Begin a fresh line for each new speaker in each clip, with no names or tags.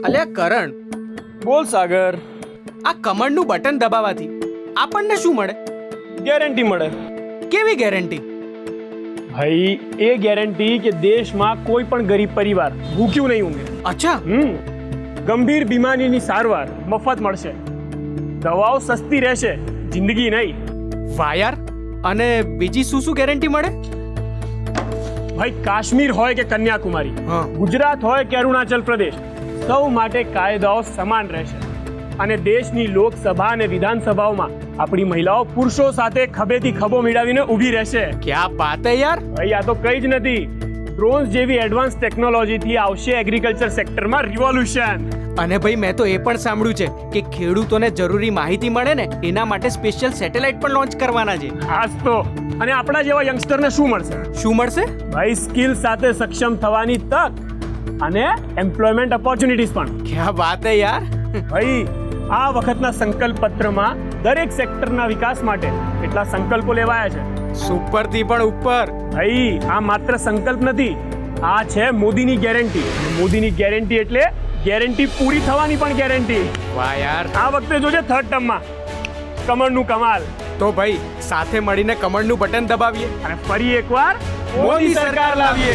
અલ્યા કરણ,
બોલ સાગર.
આ કમળનું બટન દબાવવાથી આપણને શું મળે?
ગેરંટી મળે.
કેવી ગેરંટી?
ભાઈ એ ગેરંટી કે દેશમાં કોઈ પણ ગરીબ પરિવાર ભૂખ્યું નહીં ઊંઘે.
અચ્છા.
ગંભીર બીમારીની સારવાર મફત મળશે, દવાઓ સસ્તી રહેશે, જિંદગી નહીં.
વાહ યાર. અને બીજી શું શું ગેરંટી મળે?
ભાઈ કાશ્મીર હોય કે કન્યાકુમારી, ગુજરાત હોય કે અરુણાચલ પ્રદેશ, સૌ માટે કાયદાઓ સમાન રહેશે. અને દેશની લોકસભા અને વિધાનસભાઓમાં આપણી મહિલાઓ પુરુષો સાથે ખભેથી ખભો મિલાવીને ઊભી રહેશે.
ક્યાં વાત હે યાર.
ભાઈ આ તો કંઈ જ નથી. ડ્રોન્સ જેવી એડવાન્સ ટેકનોલોજીથી આવશે એગ્રીકલ્ચર સેક્ટરમાં રિવોલ્યુશન.
અને ભાઈ મેં તો એ પણ સાંભળ્યું છે કે ખેડૂતોને જરૂરી માહિતી મળે ને એના માટે સ્પેશિયલ સેટેલાઇટ પણ લોન્ચ કરવાના છે.
ખાસ તો. અને આપણા જેવા યંગસ્ટરને શું મળશે?
શું મળશે?
ભાઈ સ્કિલ સાથે સક્ષમ થવાની તક અને એમ્પ્લોયમેન્ટ ઓપોર્ચ્યુનિટીઝ પણ.
ક્યાં વાત હે યાર.
ભાઈ આ વખતના સંકલ્પ પત્રમાં દરેક સેક્ટરના વિકાસ માટે કેટલા સંકલ્પો લેવાયા છે.
સુપર થી પણ ઉપર.
ભાઈ આ માત્ર સંકલ્પ નથી, આ છે મોદીની ગેરંટી. મોદીની ગેરંટી એટલે ગેરંટી પૂરી થવાની પણ ગેરંટી.
વાહ યાર.
આ વખતે જોજે થર્ડ ટર્મમાં કમળનું કમાલ.
તો ભાઈ સાથે મળીને કમળનું બટન દબાવીએ
અને ફરી એકવાર
મોદી સરકાર લાવીએ.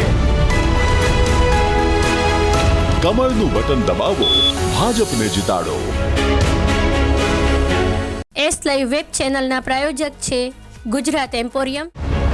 કમળનું બટન દબાવો, ભાજપને જીતાડો.
એસ લાઈવ વેબ ચેનલના પ્રાયોજક છે ગુજરાત એમ્પોરિયમ.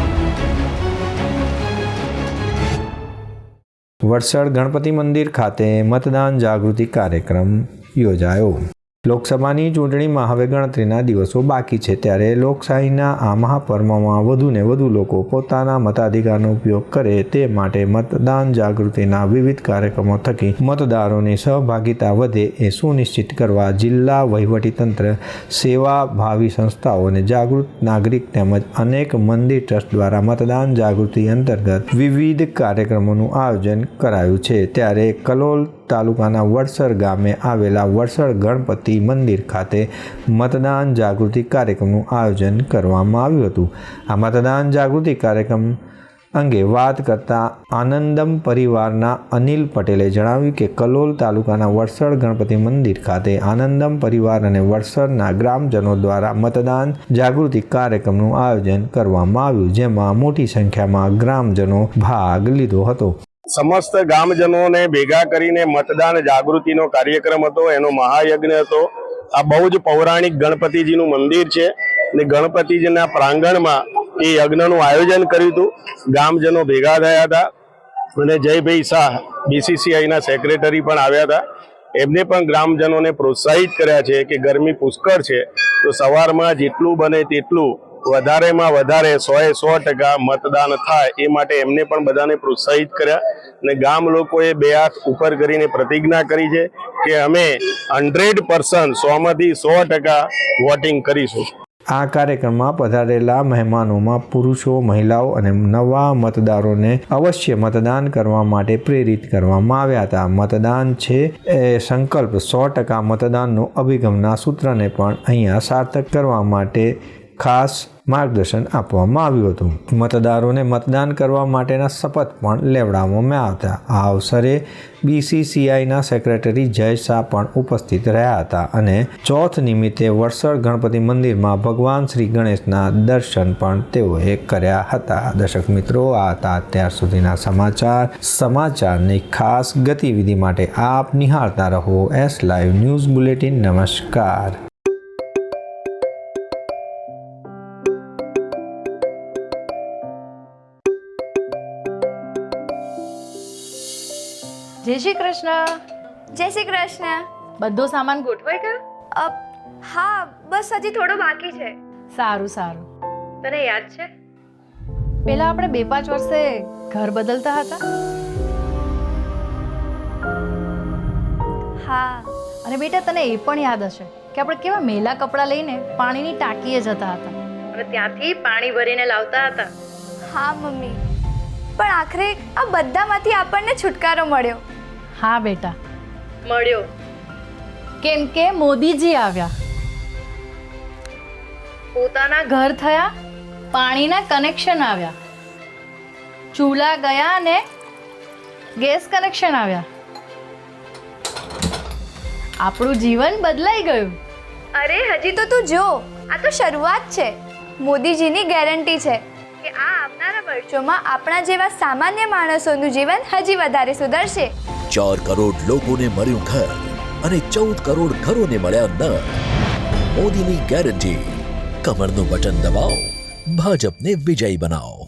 વડસર ગણપતિ મંદિર ખાતે મતદાન જાગૃતિ કાર્યક્રમ યોજાયો. લોકસભાની ચૂંટણીમાં હવે ગણતરીના દિવસો બાકી છે, ત્યારે લોકશાહીના આ મહાપર્વમાં વધુને વધુ લોકો પોતાના મતાધિકારનો ઉપયોગ કરે તે માટે મતદાન જાગૃતિના વિવિધ કાર્યક્રમો થકી મતદારોની સહભાગિતા વધે એ સુનિશ્ચિત કરવા જિલ્લા વહીવટીતંત્ર, સેવાભાવી સંસ્થાઓ અને જાગૃત નાગરિક તેમજ અનેક મંદિર ટ્રસ્ટ દ્વારા મતદાન જાગૃતિ અંતર્ગત વિવિધ કાર્યક્રમોનું આયોજન કરાયું છે. ત્યારે કલોલ તાલુકાના વડસર ગામે આવેલા વડસર ગણપતિ મંદિર ખાતે મતદાન જાગૃતિ કાર્યક્રમનું આયોજન કરવામાં આવ્યું હતું. આ મતદાન જાગૃતિ કાર્યક્રમ અંગે વાત કરતા આનંદમ પરિવારના અનિલ પટેલે જણાવ્યું કે કલોલ તાલુકાના વડસર ગણપતિ મંદિર ખાતે આનંદમ પરિવાર અને વડસરના ગ્રામજનો દ્વારા મતદાન જાગૃતિ કાર્યક્રમનું આયોજન કરવામાં આવ્યું, જેમાં મોટી સંખ્યામાં ગ્રામજનો ભાગ લીધો હતો.
સમસ્ત ગામજનોને ભેગા કરીને મતદાન જાગૃતિનો કાર્યક્રમ હતો, એનો મહાયજ્ઞ હતો. આ બહુ જ પૌરાણિક ગણપતિજીનું મંદિર છે અને ગણપતિજીના પ્રાંગણમાં એ યજ્ઞનું આયોજન કર્યું હતું. ગામજનો ભેગા થયા હતા અને જયભાઈ શાહ BCCIના સેક્રેટરી પણ આવ્યા હતા. એમને પણ ગ્રામજનોને પ્રોત્સાહિત કર્યા છે કે ગરમી પુષ્કળ છે તો સવારમાં જેટલું બને તેટલું વધારેમાં વધારે 100% મતદાન થાય એ માટે એમને પણ બધાને પ્રોત્સાહિત કર્યા. અને ગામ લોકોએ બે હાથ ઉપર કરીને પ્રતિજ્ઞા કરી છે કે અમે 100% 100માંથી 100% વોટિંગ કરીશું.
આ કાર્યક્રમમાં પધારેલા મહેમાનોમાં પુરુષો, મહિલાઓ અને નવા મતદારોને અવશ્ય મતદાન કરવા માટે પ્રેરિત કરવામાં આવ્યા હતા. મતદાન છે એ સંકલ્પ 100% મતદાનનો અભિગમના સૂત્રને પણ અહીંયા સાર્થક કરવા માટે ખાસ માર્ગદર્શન આપવામાં આવ્યું હતું. મતદારોને મતદાન કરવા માટેના શપથ પણ લેવડાવવામાં આવ્યા હતા. આ અવસરે BCCIના સેક્રેટરી જય શાહ પણ ઉપસ્થિત રહ્યા હતા અને ચોથ નિમિત્તે વડસર ગણપતિ મંદિરમાં ભગવાન શ્રી ગણેશના દર્શન પણ તેઓએ કર્યા હતા. દર્શક મિત્રો, આ હતા અત્યાર સુધીના સમાચારની ખાસ ગતિવિધિ માટે આપ નિહાળતા રહો એસ લાઈવ ન્યૂઝ બુલેટિન. નમસ્કાર.
જય શ્રી કૃષ્ણ.
જય શ્રી કૃષ્ણ.
બધો સામાન ગોઠવાઈ ગયો?
હા, બસ હજી થોડો બાકી છે.
સારું સારું.
તને યાદ છે
પેલા આપણે 2-5 વર્ષે ઘર બદલતા હતા?
હા.
અને બેટા તને એ પણ યાદ હશે કે આપણે કેવા મેલા કપડાં લઈને પાણીની ટાંકીએ જતા હતા અને ત્યાંથી પાણી ભરીને લાવતા હતા.
હા મમ્મી, પણ આખરે આ બધામાંથી આપણને છુટકારો મળ્યો.
હા બેટા, મળ્યો. કેમ કે મોદીજી આવ્યા, પોતાના ઘર થયા, પાણીના કનેક્શન આવ્યા, ચૂલા ગયા અને ગેસ કનેક્શન આવ્યા. આપણું જીવન બદલાઈ ગયું.
અરે હજી તો તું જો, આ તો શરૂઆત છે. મોદીજીની ગેરંટી છે કે આ આવનારા વર્ષોમાં આપણા જેવા સામાન્ય માણસોનું જીવન હજી વધારે સુધરશે.
4 કરોડ લોકોને મળ્યું ઘર અને 14 કરોડ ઘરોને મળ્યા નળ. મોદીની ગેરંટી. કમરનું બટન દબાવો, ભાજપને વિજયી બનાવો.